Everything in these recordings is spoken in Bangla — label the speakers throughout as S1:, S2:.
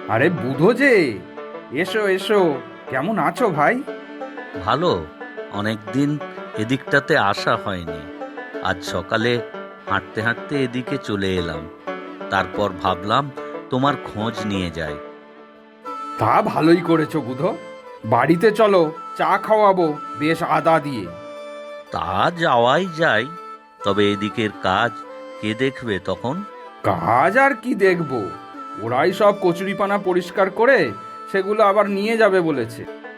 S1: আরে বুধো যে, এসো এসো। কেমন আছো ভাই?
S2: ভালো। অনেকদিন এদিকটাতে আসা হয়নি। আজ সকালে হাঁটতে হাঁটতে এদিকে চলে এলাম। তারপর ভাবলাম তোমার খোঁজ নিয়ে যাই।
S1: তা ভালোই করেছো বুধো। বাড়িতে চলো, চা খাওয়াবো বেশ আদা দিয়ে।
S2: তা যাওয়াই যায়, তবে এদিকের কাজ কে দেখবে তখন?
S1: কাজ আর কি দেখবো, ওরাই সব কচুরিপানা পরিষ্কার করে সেগুলো আবার নিয়ে যাবে বলেছে।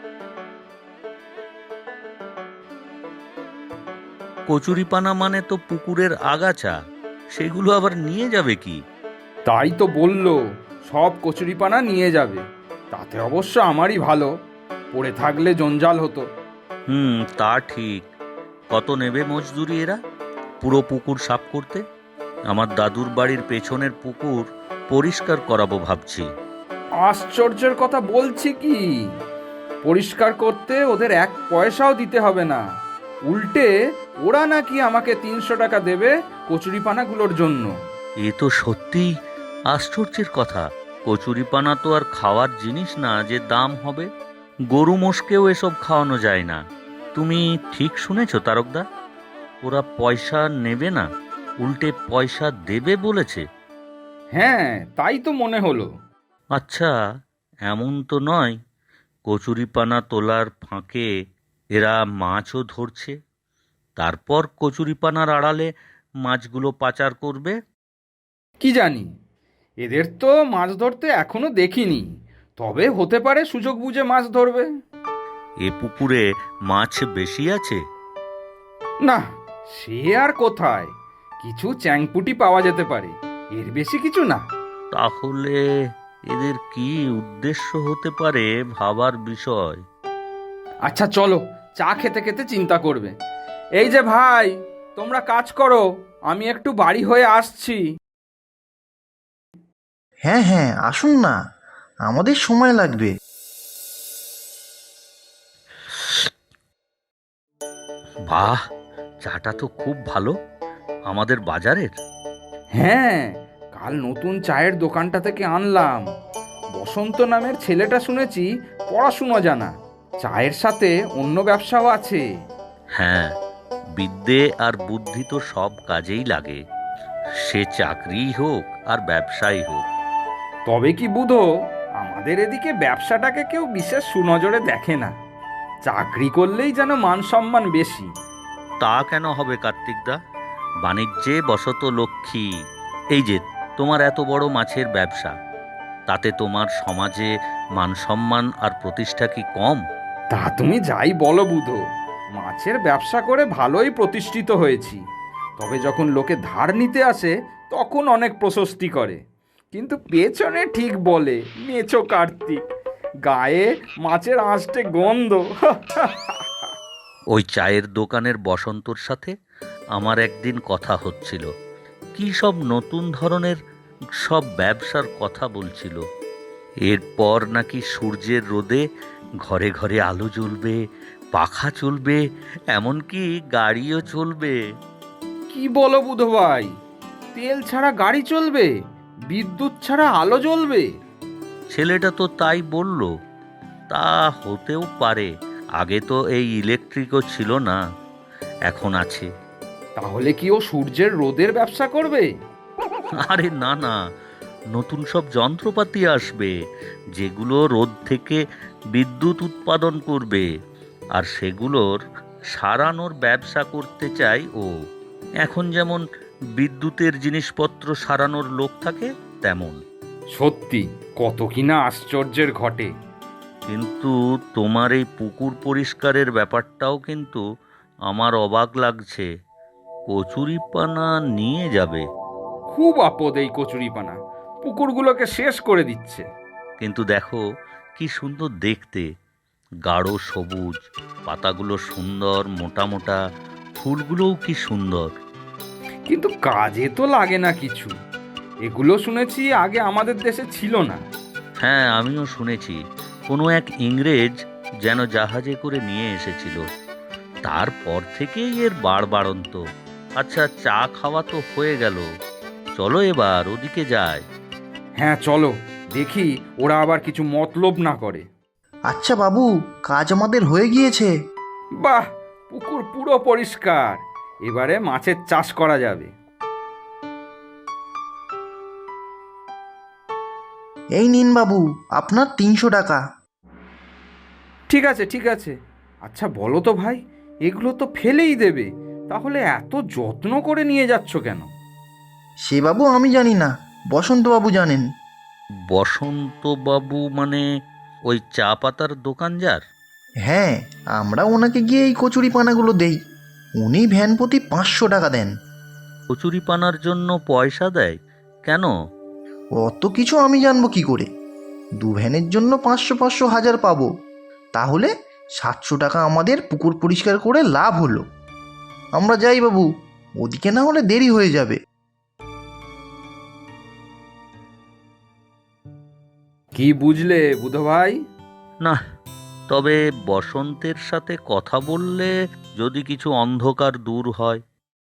S2: কচুরিপানা মানে তো পুকুরের আগাছা, সেগুলো আবার নিয়ে যাবে কি?
S1: তাই তো বললো, সব কচুরিপানা নিয়ে যাবে। তাতে অবশ্য আমারই ভালো, পড়ে থাকলে জঞ্জাল হতো।
S2: তা ঠিক। কত নেবে মজদুরি এরা পুরো পুকুর সাফ করতে? আমার দাদুর বাড়ির পেছনের পুকুর পরিষ্কার করাবো ভাবছি।
S1: আশ্চর্যের কথা বলছি কি, পরিষ্কার করতে ওদের এক পয়সাও দিতে হবে না। উল্টে ওরা নাকি আমাকে 300 টাকা দেবে কচুরিপানাগুলোর জন্য।
S2: এ তো সত্যিই আশ্চর্যের কথা। কচুরিপানা তো আর খাওয়ার জিনিস না যে দাম হবে। গরু মোষকেও এসব খাওয়ানো যায় না। তুমি ঠিক শুনেছো তারকদা, ওরা পয়সা নেবে না, উল্টে পয়সা দেবে বলেছে।
S1: হ্যাঁ, তাই তো মনে হলো।
S2: আচ্ছা, এমন তো নয় কচুরিপানা তোলার ফাঁকে এরা মাছও ধরছে, তারপর কচুরিপানার আড়ালে মাছগুলো পাচার করবে?
S1: কি জানি, এদের তো মাছ ধরতে এখনো দেখিনি। তবে হতে পারে সুযোগ বুঝে মাছ ধরবে।
S2: এ পুকুরে মাছ বেশি আছে?
S1: না, সে আর কোথায়, কিছু চ্যাংপুটি পাওয়া যেতে পারে, এর বেশি কিছু না।
S2: তাহলে এদের কি উদ্দেশ্য হতে পারে ভাবার বিষয়।
S1: আচ্ছা চলো, চা খেতে খেতে চিন্তা করবে। এই যে ভাই, তোমরা কাজ করো, আমি একটু বাড়ি হয়ে আসছি।
S3: হ্যাঁ হ্যাঁ, আসুন না, আমাদের সময় লাগবে।
S2: বাহ, চাটা তো খুব ভালো, আমাদের বাজারের।
S1: হ্যাঁ, কাল নতুন চায়ের দোকানটা থেকে আনলাম। বসন্ত নামের ছেলেটা শুনেছি পড়াশুনো জানা, চায়ের সাথে অন্য ব্যবসাও আছে।
S2: হ্যাঁ, বিদ্যে আর বুদ্ধি তো সব কাজেই লাগে, সে চাকরিই হোক আর ব্যবসাই হোক।
S1: তবে কি বুধো, আমাদের এদিকে ব্যবসাটাকে কেউ বিশেষ সুনজরে দেখে না। চাকরি করলেই যেন মান সম্মান বেশি।
S2: তা কেন হবে কার্তিকদা? বাণিজ্যে বশত লক্ষ্মী। এই যে তোমার এত বড় মাছের ব্যবসা, তাতে তোমার সমাজে মান সম্মান আর প্রতিষ্ঠা কি কম?
S1: তা তুমি যাই বলো বুধো, মাছের ব্যবসা করে ভালোই প্রতিষ্ঠিত হয়েছি। তবে যখন লোকে ধার নিতে আসে তখন অনেক প্রশস্তি করে, কিন্তু পেছনে ঠিক বলে মেছো কার্তিক, গায়ে মাছের আঁশটে গন্ধ।
S2: ওই চায়ের দোকানের বসন্তর সাথে আমার একদিন কথা হচ্ছিল, কি সব নতুন ধরনের সব ব্যবসার কথা বলছিল। এরপর নাকি সূর্যের রোদে ঘরে ঘরে আলো জ্বলবে, পাখা চলবে, এমনকি গাড়িও চলবে।
S1: কি বলো বুধো ভাই, তেল ছাড়া গাড়ি চলবে, বিদ্যুৎ ছাড়া আলো জ্বলবে?
S2: ছেলেটা তো তাই বলল। তা হতেও পারে, আগে তো এই ইলেকট্রিকও ছিল না, এখন আছে।
S1: তাহলে কি ও সূর্যের রোদের ব্যবসা করবে?
S2: আরে না না, নতুন সব যন্ত্রপাতি আসবে যেগুলো রোদ থেকে বিদ্যুৎ উৎপাদন করবে, আর সেগুলোর সারানোর ব্যবসা করতে চাই ও। এখন যেমন বিদ্যুতের জিনিসপত্র সারানোর লোক থাকে তেমন।
S1: সত্যি, কত কিনা আশ্চর্যের ঘটে।
S2: কিন্তু তোমার এই পুকুর পরিষ্কারের ব্যাপারটাও কিন্তু আমার অবাক লাগছে। কচুরিপানা নিয়ে যাবে,
S1: খুব আপদ এই কচুরিপানা, পুকুরগুলোকে শেষ করে দিচ্ছে।
S2: কিন্তু দেখো কি সুন্দর দেখতে, গাঢ় সবুজ, পাতাগুলো সুন্দর মোটা মোটা, ফুলগুলোও কি সুন্দর।
S1: কিন্তু কাজে তো লাগে না কিছু, এগুলো শুনেছি আগে আমাদের দেশে ছিল না।
S2: হ্যাঁ, আমিও শুনেছি কোনো এক ইংরেজ যেন জাহাজে করে নিয়ে এসেছিল, তারপর থেকেই এর বাড়বাড়ন্ত। আচ্ছা, চা খাওয়া তো হয়ে গেল, চলো এবার ওদিকে যাই।
S1: হ্যাঁ চলো, দেখি ওরা আবার কিছু মতলব না করে।
S3: আচ্ছা বাবু, কাজ আমাদের হয়ে গিয়েছে।
S1: বাহ, পুকুর পুরো পরিষ্কার, এবারে মাছের চাষ করা যাবে।
S3: এই নিন বাবু, আপনার 300 টাকা।
S1: ঠিক আছে ঠিক আছে। আচ্ছা বলো তো ভাই, এগুলো তো ফেলেই দেবে, তাহলে এত যত্ন করে নিয়ে যাচ্ছ কেন?
S3: সে বাবু আমি জানি না, বসন্তবাবু জানেন।
S2: বসন্তবাবু মানে ওই চা পাতার দোকান যার?
S3: হ্যাঁ, আমরা ওনাকে গিয়ে এই কচুরি পানাগুলো দেই। উনি ভ্যান প্রতি 500 টাকা দেন।
S2: কচুরি পানার জন্য পয়সা দেয় কেন?
S3: অত কিছু আমি জানবো কি করে? 2 ভ্যানের জন্য 500 500 1000 পাবো, তাহলে 700 টাকা আমাদের পুকুর পরিষ্কার করে লাভ হলো। আমরা যাই বাবু, ওদিকে না হলে দেরি হয়ে যাবে।
S1: কি বুঝলে বুধো ভাই?
S2: না, তবে বসন্তের সাথে কথা বললে যদি কিছু অন্ধকার দূর হয়।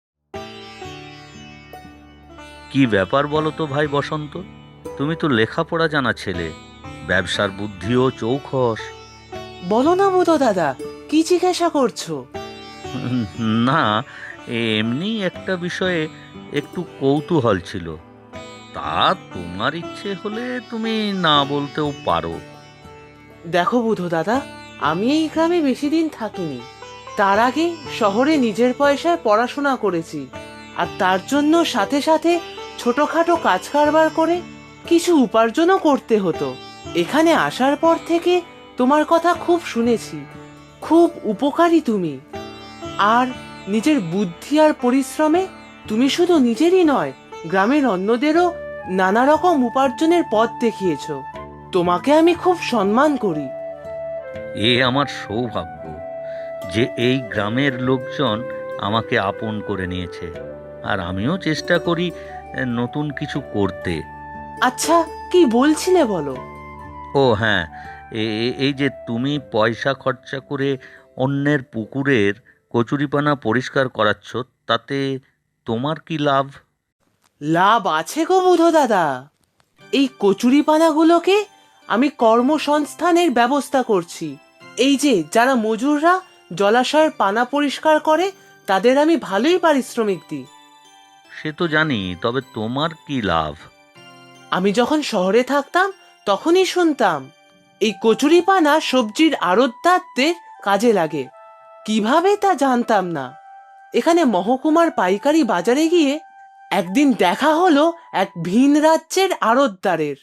S2: কি ব্যাপার বলো তো ভাই বসন্ত, তুমি তো লেখাপড়া জানা ছেলে, ব্যবসার বুদ্ধিও চৌখস।
S4: বলো না বুধো দাদা, কি জিজ্ঞাসা করছো?
S2: না, এমনি একটা বিষয়ে একটু কৌতূহল ছিল, তা তোমার ইচ্ছে হলে তুমি না বলতেও পারো।
S4: দেখো বুধো দাদা, আমি এই গ্রামে বেশি দিন থাকিনি। তার আগে শহরে নিজের পয়সায় পড়াশোনা করেছি, আর তার জন্য সাথে সাথে ছোটখাটো কাজ কারবার করে কিছু উপার্জনও করতে হতো। এখানে আসার পর থেকে তোমার কথা খুব শুনেছি, খুব উপকারী তুমি। আর নিজের বুদ্ধি আর পরিশ্রমে তুমি শুধু নিজেরই নয়, গ্রামের অন্যদেরও নানা রকম উপার্জনের পথ দেখিয়েছো। তোমাকে আমি খুব সম্মান করি।
S2: এ আমার সৌভাগ্য যে এই গ্রামের লোকজন আমাকে আপন করে নিয়েছে, আর আমিও চেষ্টা করি নতুন কিছু করতে।
S4: আচ্ছা, কি বলছিলে বলো?
S2: ও হ্যাঁ, এই যে তুমি পয়সা খরচা করে অন্যের পুকুরের কচুরিপানা পরিষ্কার করাচ্ছ, তাতে তোমার কি লাভ?
S4: লাভ আছে গো বুধো দাদা। এই কচুরিপানাগুলোকে আমি কর্মসংস্থানের ব্যবস্থা করছি। এই যে যারা মজুররা জলাশয়ের পানা পরিষ্কার করে, তাদের আমি ভালোই পারিশ্রমিক দিই।
S2: সে তো জানি, তবে তোমার কি লাভ?
S4: আমি যখন শহরে থাকতাম তখনই শুনতাম এই কচুরিপানা সবজির আড়তদারদের কাজে লাগে। কিভাবে তা জানতাম না। এখানে মহকুমার পাইকারি বাজারে গিয়ে একদিন দেখা হলো এক ভিন রাজ্যের আড়তদারের।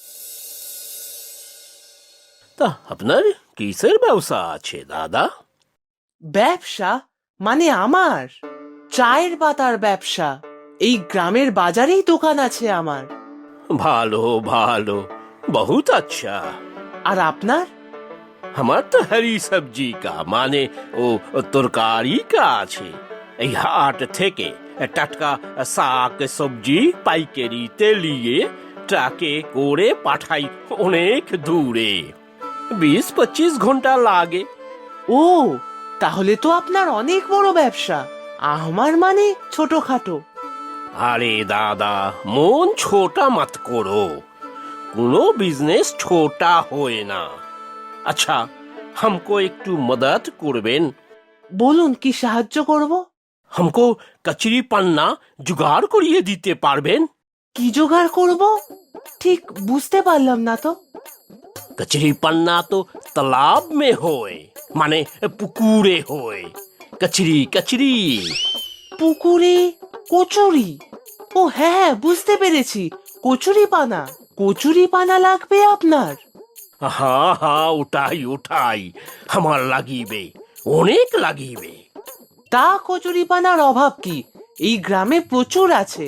S5: তা আপনার কিসের ব্যবসা আছে দাদা?
S4: ব্যবসা মানে আমার চায়ের পাতার ব্যবসা। এই গ্রামের বাজারেই দোকান আছে আমার।
S5: ভালো ভালো, বহুত আচ্ছা।
S4: আর আপনার?
S5: আমার তো হরি সবজি কা মানে ও তরকারি কা আছে। এই হাট থেকে টাটকা শাক সবজি পাইকারিতে নিয়ে ট্রাকে করে পাঠাই অনেক দূরে। 20-25 ঘন্টা লাগে।
S4: ও, তাহলে তো আপনার অনেক বড় ব্যবসা। আমার মানে ছোটখাটো।
S5: আরে দাদা, মন ছোটা মত করো, কোনো বিজনেস ছোটা হয় না। আচ্ছা, हमको একটু মদত করবেন?
S4: বলুন, কি সাহায্য করব?
S5: हमको কচুরি পান্না জোগাড় করিয়ে দিতে পারবেন?
S4: কি জোগাড় করব ঠিক বুঝতে পারলাম না তো।
S5: কচুরি পান্না তো তালাব মে হয়, মানে পুকুরে হয়। কচুরি কচুরি।
S4: পুকুরে কচুরি? ও হ্যাঁ হ্যাঁ, বুঝতে পেরেছি, কচুরি পানা। কচুরি পানা লাগবে আপনার?
S5: হ্যাঁ হ্যাঁ, ওটাই ওটাই আমার লাগিবে, অনেক লাগিবে।
S4: তা কচুরি পানার অভাব কি, এই গ্রামে প্রচুর আছে।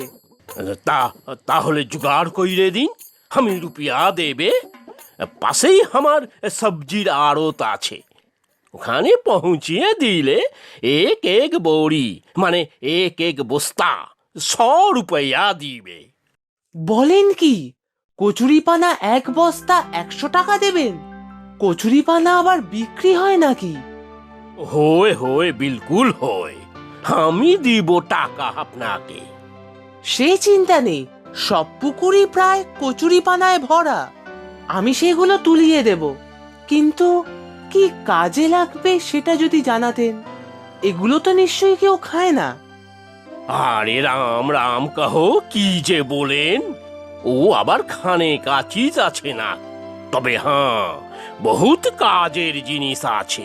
S5: তাহলে জোগাড় কইরে দিন, আমি রুপিয়া দেবে। পাশেই আমার সবজির আড়ত আছে, ওখানে পৌঁছিয়ে দিলে এক এক বড়ি মানে এক এক বস্তা 100 রুপয়া দিবে।
S4: বলেন কি, কচুরি পানা এক বস্তা 100 টাকা দেবেন? কচুরি পানা আবার বিক্রি হয় নাকি?
S5: হয় হয়, বিলকুল হয়। আমি দিব টাকা আপনাকে।
S4: সে চিন্তা নেই, সব পুকুরই প্রায় কচুরি পানায় ভরা। আমি সেগুলো তুলিয়ে দেব, কিন্তু কি কাজে লাগবে সেটা যদি জানাতেন। এগুলো তো নিশ্চয়ই কেউ খায় না।
S5: আরে রাম রাম কহো, কি যে বলেন! ও আবার খানে কা চিজ আছে না, তবে হ্যাঁ, বহুত কাজের জিনিস আছে।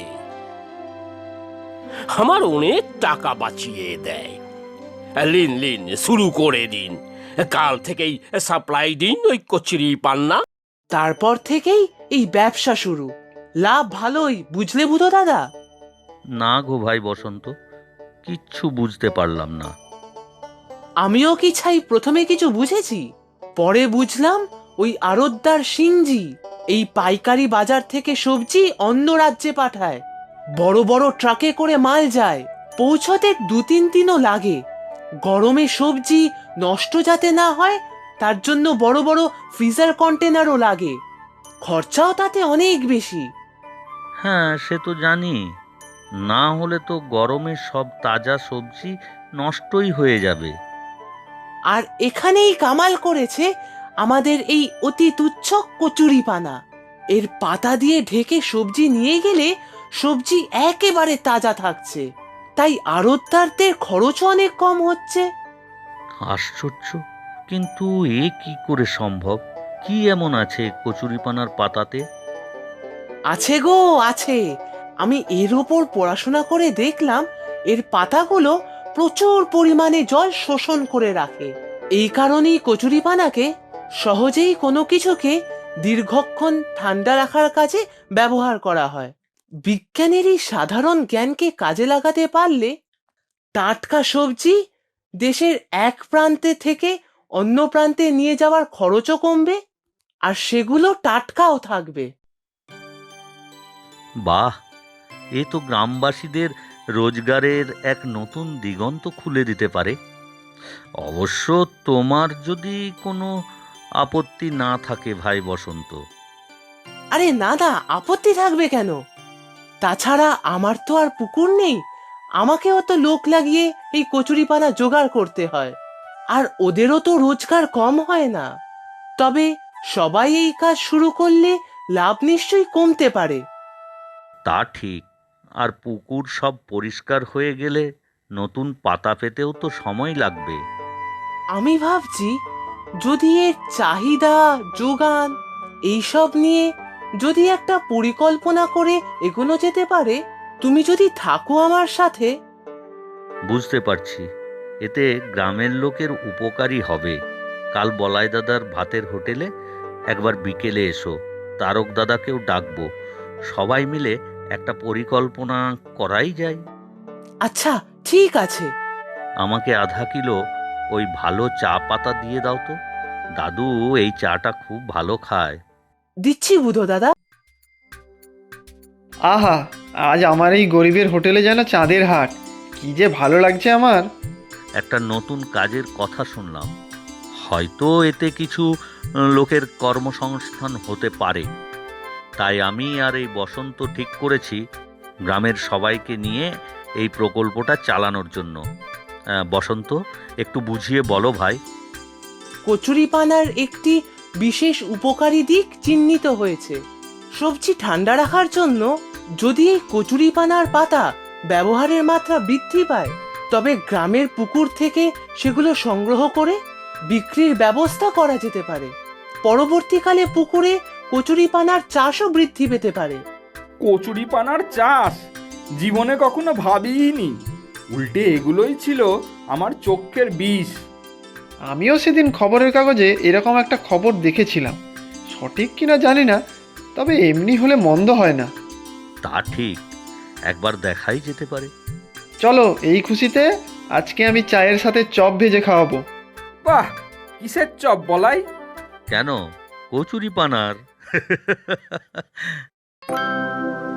S5: আমার অনেক টাকা বাঁচিয়ে দেয়। লিন লিন, শুরু করে দিন। কাল থেকেই সাপ্লাই দিন ওই কচুরি পান্না।
S4: তারপর থেকেই এই ব্যবসা শুরু। লাভ ভালোই, বুঝলে বুধো দাদা?
S2: না গো ভাই বসন্ত, কিচ্ছু বুঝতে পারলাম না।
S4: আমিও কি ছাই প্রথমে কিছু বুঝেছি, পরে বুঝলাম ওই আড়তদার সিংজি এই পাইকারি বাজার থেকে সবজি অন্য রাজ্যে পাঠায়। বড় বড় ট্রাকে করে মাল যায়, পৌঁছতে 2-3 দিনও লাগে। গরমে সবজি নষ্ট যাতে না হয় তার জন্য বড় বড় ফ্রিজার কন্টেনারও লাগে। খরচাও তাতে অনেক বেশি।
S2: হ্যাঁ, সে তো জানি। না হলে তো গরমে সব তাজা সবজি নষ্টই হয়ে যাবে।
S4: আর এখানেই কামাল করেছে আমাদের এই অতি তুচ্ছ কচুরিপানা। এর পাতা দিয়ে ঢেকে সবজি নিয়ে গেলে সবজি একেবারে তাজা থাকছে, তাই আড়তদারদের খরচও অনেক কম হচ্ছে।
S2: আশ্চর্য! কিন্তু এ কি করে সম্ভব? কি এমন আছে কচুরিপানার পাতাতে?
S4: আছে গো আছে, আমি এর ওপর পড়াশোনা করে দেখলাম এর পাতাগুলো প্রচুর পরিমাণে জল শোষণ করে রাখে। এই কারণেই কচুরিপানাকে সহজেই কোনো কিছুকে দীর্ঘক্ষণ ঠান্ডা রাখার কাজে ব্যবহার করা হয়। বিজ্ঞানের এই সাধারণ জ্ঞানকে কাজে লাগাতে পারলে টাটকা সবজি দেশের এক প্রান্তে থেকে অন্য প্রান্তে নিয়ে যাওয়ার খরচও কমবে, আর সেগুলো টাটকাও থাকবে।
S2: বাহ! এ তো গ্রামবাসীদের রোজগারের এক নতুন দিগন্ত খুলে দিতে পারে। অবশ্য তোমার যদি কোনো আপত্তি না থাকে ভাই বসন্ত।
S4: আরে না না, আপত্তি থাকবে কেন? তাছাড়া আমার তো আর পুকুর নেই, আমাকেও তো লোক লাগিয়ে এই কচুরিপানা জোগাড় করতে হয়। আর ওদেরও তো রোজগার কম হয় না। তবে সবাই এই কাজ শুরু করলে লাভ নিশ্চয়ই কমতে পারে।
S2: তা ঠিক। আর পুকুর সব পরিষ্কার হয়ে গেলে নতুন পাতা পেতেও তো সময় লাগবে।
S4: আমি ভাবছি যদি এর চাহিদা, যোগান এইসব নিয়ে যদি একটা পরিকল্পনা করে এগোনো যেতে পারে। তুমি যদি থাকো আমার সাথে।
S2: বুঝতে পারছি, এতে গ্রামের লোকের উপকারই হবে। কাল বলাই দাদার ভাতের হোটেলে একবার বিকেলে এসো, তারক দাদাকেও ডাকবো। সবাই মিলে একটা পরিকল্পনা করাই যায়।
S4: আচ্ছা, ঠিক আছে।
S2: আমাকে আধা কিলো ওই ভালো চা পাতা দিয়ে দাও তো। দাদু এই চাটা খুব ভালো খায়।
S4: দিচ্ছি বুধো দাদা।
S6: আহা, আজ আমার এই গরিবের হোটেলে যেন চাঁদের হাট। কি যে ভালো লাগছে আমার।
S2: একটা নতুন কাজের কথা শুনলাম, হয়তো এতে কিছু লোকের কর্মসংস্থান হতে পারে। তাই আমি আর এই বসন্ত ঠিক করেছি গ্রামের সবাইকে নিয়ে এই প্রকল্পটা চালানোর জন্য। বসন্ত, একটু বুঝিয়ে বলো ভাই।
S4: কচুরিপানার একটি বিশেষ উপকারী দিক চিহ্নিত হয়েছে। সবজি ঠান্ডা রাখার জন্য যদি এই কচুরিপানার পাতা ব্যবহারের মাত্রা বৃদ্ধি পায়, তবে গ্রামের পুকুর থেকে সেগুলো সংগ্রহ করে বিক্রির ব্যবস্থা করা যেতে পারে। পরবর্তীকালে পুকুরে কচুরিপানার চাষও বৃদ্ধি পেতে পারে।
S1: কচুরিপানার চাষ জীবনে কখনো ভাবিনি। উল্টে এগুলোই ছিল আমার চোখের বিষ।
S6: আমিও সেদিন খবরের কাগজে এরকম একটা খবর দেখেছিলাম। সঠিক কিনা জানি না, তবে এমনি হলে মন্দ হয় না।
S2: তা ঠিক, একবার দেখাই যেতে পারে।
S6: চলো, এই খুশিতে আজকে আমি চায়ের সাথে চপ ভেজে খাওয়াবো।
S1: বাহ, কিসের চপ বলাই?
S2: কেন, কচুরিপানার।